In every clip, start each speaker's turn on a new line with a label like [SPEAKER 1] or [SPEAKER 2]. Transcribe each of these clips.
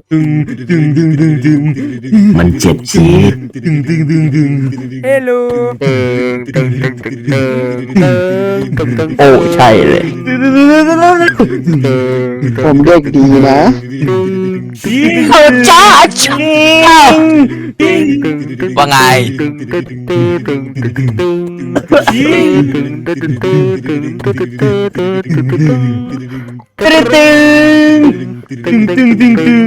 [SPEAKER 1] ตึงตึงตึงตึงตึงมันเจ็บจี๊ดตึงตึงตึงตึง
[SPEAKER 2] เฮลโล
[SPEAKER 1] โอ้ใช่เลย
[SPEAKER 3] ผมเด็กดีนะ
[SPEAKER 1] เข้าจ้าชิง
[SPEAKER 2] ว่าไง
[SPEAKER 1] ตึงตึงตึงตึงตึงตึงตึงตึงตึงตึง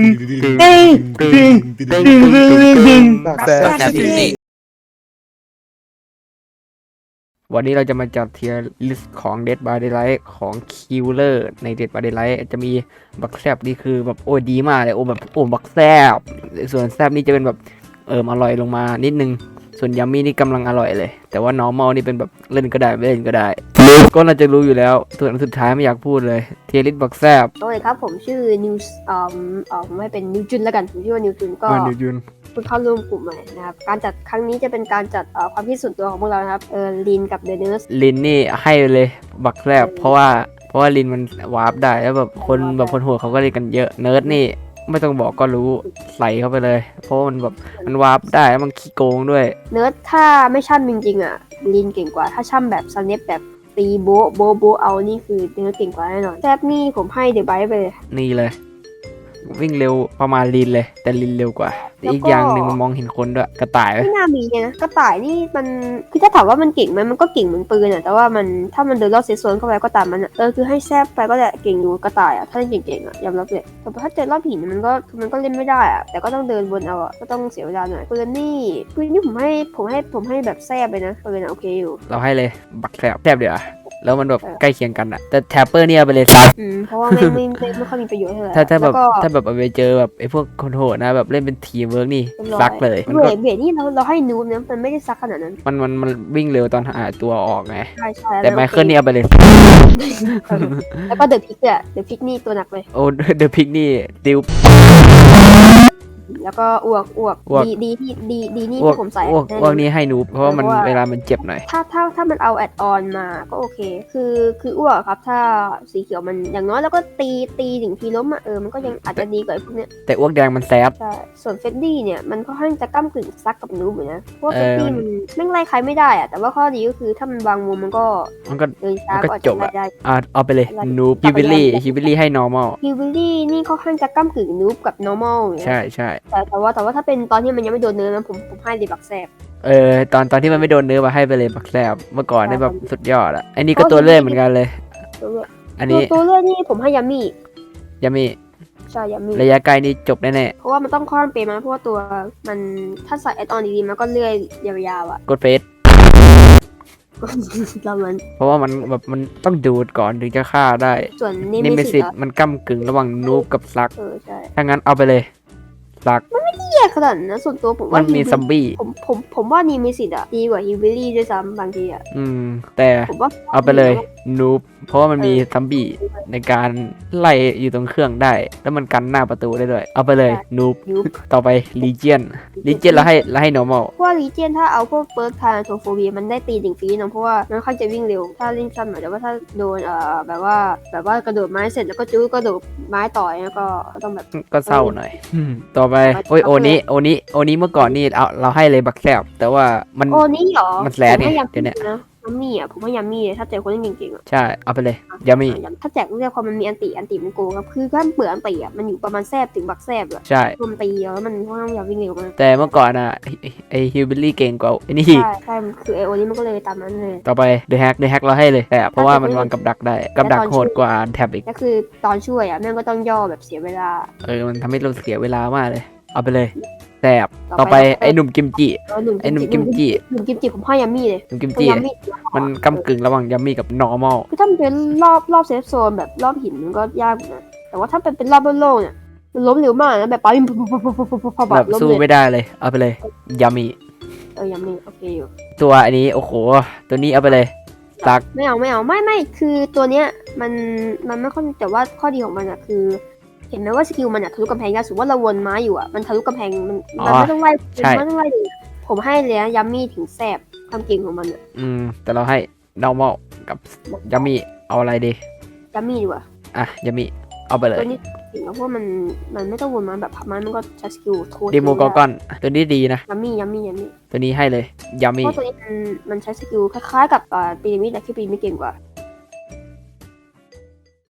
[SPEAKER 1] ตึง
[SPEAKER 2] แซ่บจริงนี่
[SPEAKER 4] วันนี้เราจะมาจัดเทียร์ลิสต์ของ Dead by Daylight ของ Killer ใน Dead by Daylight จะมีบักแซบนี่คือแบบโอ้ดีมากเลยโอ้แบบโอ้บักแซบส่วนแซบนี่จะเป็นแบบอร่อยลงมานิดนึงส่วนยัมมี่นี่กำลังอร่อยเลยแต่ว่า normal นี่เป็นแบบเล่นก็ได้ไม่เล่นก็ได้ก็น่าจะรู้อยู่แล้วส่วนสุดท้ายไม่อยากพูดเลยเทียร์ลิสต์บักแซบ
[SPEAKER 5] โอเคครับผมชื่อนิวไม่เป็นนิวจุนแล้วกันผมชื่อว่านิวจุนก็
[SPEAKER 4] นิวยุน
[SPEAKER 5] เพิ่งเข้าร่วมกลุ่มใหม่นะครับการจัดครั้งนี้จะเป็นการจัดความคิดส่วนตัวของพวกเรานะครับลีนกับเดอะเนิร์ส
[SPEAKER 4] ลินนี่ให้เลยบักแซบเพราะว่าลินมันวาร์ปได้แล้วแบบคนโหดเขาก็เล่นกันเยอะเนิร์ดนี่ไม่ต้องบอกก็รู้ใส่เข้าไปเลย เพราะว่ามันแบบมันวาร์ปได้แล้วมันขี้โกงด้วย
[SPEAKER 5] เนิร์สถ้าไม่ช่ำจริงๆอ่ะลีนเก่งกว่าถ้าช่ำแบบสเนปแบบตีโบะเอานี่คือเนิร์สเก่งกว่าแน่นอนแซบนี่ผมให้เดอะไบท์ไปเลย
[SPEAKER 4] นี่เลย วิ่งเร็วประมาณลินเลย แต่ลินเร็วกว่า
[SPEAKER 5] แล้วก็
[SPEAKER 4] อีกอย่างหนึ่งมันมองเห็นคนด้วยกระต่ายไหม
[SPEAKER 5] ไม่น่ามีนะกระต่ายนี่มันคือถ้าถามว่ามันเก่งไหมมันก็เก่งเหมือนปืนอ่ะแต่ว่ามันถ้ามันเดินรอบเซฟโซนเข้าไปก็ตามมันอ่ะคือให้แซบไปก็จะเก่งอยู่กระต่ายอ่ะถ้าเล่นเก่งๆอ่ะยอมรับเลยแต่ถ้าเจอรอบหินมันก็เล่นไม่ได้อ่ะแต่ก็ต้องเดินบนเอาอ่ะก็ต้องเสียเวลาหน่อยปืนนี่ผมให้แบบแซบไปนะปืนอ่ะโอเคอยู่
[SPEAKER 4] เราให้เลยบักแซบเดี๋ยวาแล้วมันแบบใกล้เคียงกันอะแต่แทปเปอร์เนี่ยเอาไปเลยซัด
[SPEAKER 5] เพราะว่าไม่ค่อยมีประโยชน์เท่าไหร่
[SPEAKER 4] ถ้าแบบ
[SPEAKER 5] แล้วก็
[SPEAKER 4] ถ้าแบบเอาไปเจอแบบไอ้พวกคนโหดนะแบบเล่นเป็นทีมเวิร์กนี่
[SPEAKER 5] เรียบร้อย
[SPEAKER 4] ซักเลยมัน
[SPEAKER 5] เบ
[SPEAKER 4] ก็
[SPEAKER 5] รดนี่เราให้นูบนะมันไม่ได้ซักขนาดนั้น
[SPEAKER 4] มันวิ่งเร็วตอนหาตัวออกไง
[SPEAKER 5] ใช่
[SPEAKER 4] แต่ไมเคิลเนี่ยเอาไปเลย
[SPEAKER 5] แล้วก็เดอะพิกอ่ะเดอะพิกนี่ตัวหนักเลย
[SPEAKER 4] โอ้เดอะพิกนี่ติว
[SPEAKER 5] แล้วก็อ้วก
[SPEAKER 4] อ้วก
[SPEAKER 5] ดีนี่
[SPEAKER 4] อ้วก
[SPEAKER 5] ที่ผมใส่
[SPEAKER 4] อ้วก
[SPEAKER 5] แน่น
[SPEAKER 4] อ้ว
[SPEAKER 5] อก น
[SPEAKER 4] นี่ให้นูบเพราะว่ามันเวลามันเจ็บหน่อย
[SPEAKER 5] ถ้ามันเอาแอดออนมาก็โอเค คืออ้วกครับ ถ้าสีเขียวมันอย่างน้อยแล้วก็ตีถึงทีล้มอ่ะมันก็ยังอาจจะดีกว่าไอ้พวกเนี้ย
[SPEAKER 4] แต่อ้วกแดงมันแซบ
[SPEAKER 5] ใช่ส่วนเฟดดี้เนี่ยมันค่อนข้างจะก้ากึ่งซักกับนูบเหมือนนะเพราะว่า
[SPEAKER 4] เอ
[SPEAKER 5] เฟ
[SPEAKER 4] อ
[SPEAKER 5] ดดี้มันแม่งไล่ใครไม่ได้อ่ะแต่ว่าข้อดีก็คือถ้ามันวางมุมมันก็
[SPEAKER 4] มันก็
[SPEAKER 5] เดินช้า
[SPEAKER 4] มันก็
[SPEAKER 5] ก็อาจ
[SPEAKER 4] จ
[SPEAKER 5] จะ
[SPEAKER 4] บ
[SPEAKER 5] ไล่
[SPEAKER 4] อะ
[SPEAKER 5] ได้
[SPEAKER 4] เอาไปเลยนูบฮิวิลี่ให้ normal
[SPEAKER 5] ฮิววิลลี่นี่ค่อนข้างจะก้ากึ่งนูบกับ normal อย่างเงี้ย
[SPEAKER 4] ใช่
[SPEAKER 5] แต่ว่าถ้าเป็นตอนที่มันยังไม่โดนเนื้อนะผมให้เดบักแซบ
[SPEAKER 4] ตอนที่มันไม่โดนเนื้อมาให้ไปเลยบักแซบเมื่อก่อนนี่แบบ
[SPEAKER 5] ใช่
[SPEAKER 4] สุดยอดอะอันนี้ก็ตัวเลื่อยเหมือนกันเลย
[SPEAKER 5] ตัวเลือก
[SPEAKER 4] อันนี้
[SPEAKER 5] ตัวเลือกนี่ผมให้ยามี่
[SPEAKER 4] ยังมี
[SPEAKER 5] ใช่ยามี่
[SPEAKER 4] ระยะไกลนี่จบแน่
[SPEAKER 5] เพราะว่ามันต้องค่อนเปรย์มาเพราะว่าตัวมันถ้าใส่แอดออนดีๆมันก็เลื่อยยาวๆอ่ะ
[SPEAKER 4] ๆกดเฟส
[SPEAKER 5] แล้วมัน
[SPEAKER 4] เพราะว่ามันแบบมันต้องดูดก่อนถึงจะฆ่าได้
[SPEAKER 5] ส่วน
[SPEAKER 4] นิ
[SPEAKER 5] นี่
[SPEAKER 4] เม
[SPEAKER 5] ไม่
[SPEAKER 4] ซิ
[SPEAKER 5] สิ
[SPEAKER 4] ส
[SPEAKER 5] ทธิ์
[SPEAKER 4] มันก้ากึ่งระหว่างนูบกับซัก
[SPEAKER 5] ใช่
[SPEAKER 4] ถ้างั้นเอาไปเลยซัก
[SPEAKER 5] แย่ขนาดนั้นนะส่วนตัวผม
[SPEAKER 4] มั
[SPEAKER 5] ว่าน
[SPEAKER 4] มีซัมบี้
[SPEAKER 5] ผมว่านี่มีสิทธิ์อ่ะดีกว่าฮิววิลลี่ด้วยซ้ำบางทีอ่ะ
[SPEAKER 4] แต่
[SPEAKER 5] ผมว่า
[SPEAKER 4] เอาไปเลยนูบเพราะว่ามันมีซัมบี้ในการไล่อยู่ตรงเครื่องได้ แล้วมันกันหน้าประตูได้ด้วย เอาไปเลยนูบ
[SPEAKER 5] ยุบ
[SPEAKER 4] ต่อไปลีเจียนเราให้ normal
[SPEAKER 5] เพราะว่าลีเจียนถ้าเอาพวกเปิร์กทาโทโฟเบียมันได้ตีถึงฟรีนะเพราะว่ามันค่อนจะวิ่งเร็วถ้าเล่นซ้ำหน่อยแต่ว่าถ้าโดนแบบว่ากระโดดไม้เสร็จแล้วก็จู้กระโดดไม้ต่อยแล้วก็ต้องแบบ
[SPEAKER 4] ก็เศร้าหน่อยต่อไปโอ้ยโอนี้เมื่อก่อนนี่เราให้เลยบักแซบแต่ว่ามัน
[SPEAKER 5] โอ้นี่เหรอ
[SPEAKER 4] มันแสลดไง
[SPEAKER 5] ผมให้ยา
[SPEAKER 4] เดี๋ยวเนี้ย
[SPEAKER 5] นะยามี่อ่ะผมให้ยามี่เลยถ้าเจอคนเล่นเก่งๆอ่ะ
[SPEAKER 4] ใช่เอาไปเลยยามี
[SPEAKER 5] ถ้าแจกเรียกความมันมีอันติมันโกงครับคือถ้าเปลือกอันติอ่ะมันอยู่ประมาณแซบถึงบักแซบอ่ะ
[SPEAKER 4] ใช่
[SPEAKER 5] รวมตีแล้วมันค่อนข้างอยากวิ่งเร็วมาก
[SPEAKER 4] แต่เมื่อก่อนอะไอฮิวบิลลี่เก่งกว่าไอ้นี่
[SPEAKER 5] ใช่คือไอโอนี่มันก็เลยตามนั้นเลย
[SPEAKER 4] ต่อไปเดอะแฮกเราให้เลยแต่เพราะว่ามันวางกับดักได้กับดักโหดกว่าแท็บอีก
[SPEAKER 5] ก็คือตอนช่วยอ่ะแม่งก็ต้องย่อแบบเสียเวลา
[SPEAKER 4] มันทำให้เราเสียเวลามากเลย เอาไปเลยแสบต่อไปไอ้หนุ่มกิมจิ ไอ้หนุ่มกิมจิ
[SPEAKER 5] หนุ่มกิมจิผมให้ยามี่เลย
[SPEAKER 4] หนุ่มกิม
[SPEAKER 5] เพราะ
[SPEAKER 4] จิ
[SPEAKER 5] ยามี่
[SPEAKER 4] มันกำกึ่งระหว่างยัมมี่กับ normal
[SPEAKER 5] คือถ้ามันเป็นรอบเซฟโซนแบบรอบหินมันก็ยากอยู่นะแต่ว่าถ้าเป็นรอบโล่งๆเนี่ยมันล้มเร็วมากนะแบบปั๊มพอ
[SPEAKER 4] แบบ
[SPEAKER 5] ล้ม
[SPEAKER 4] สู้
[SPEAKER 5] เลย
[SPEAKER 4] ไม่ได้เลย เอาไปเลยยัมมี่
[SPEAKER 5] ยามี่โอเคอยู่
[SPEAKER 4] ตัวอันนี้โอ้โหตัวนี้เอาไปเลยซัก
[SPEAKER 5] ไม่คือตัวเนี้ยมันไม่ค่อยแต่ว่าข้อดีของมันอะคือ เห็นไหมว่าสกิลมันอะทะลุกำแพงได้สมมติว่าเราวนม้าอยู่อะมันทะลุกำแพงมันไม่ต้องไล่มันไม่ต้องไล่เลยผมให้เลยนะยัมมี่ถึงแสบความเก่งของมันอะ
[SPEAKER 4] แต่เราให้ normal กับยัมมี่เอาอะไรดี
[SPEAKER 5] ยัมมี่ดีกว่า
[SPEAKER 4] ยัมมี่เอาไปเลย
[SPEAKER 5] ตัวนี้โอเคก่งอะเพราะว่ามันไม่ต้องวนมาแบบพับมันก็ใช้สกิลโทษ
[SPEAKER 4] เดโมกอร์กอนตัวนี้ดีนะ
[SPEAKER 5] ยัมมี่
[SPEAKER 4] ตัวนี้ให้เลยยา
[SPEAKER 5] เพ
[SPEAKER 4] มี่
[SPEAKER 5] ราะตัวนี้มันใช้สกิลคล้ายๆกับปีระมิดแต่แค่ปีไม่เก่งกว่า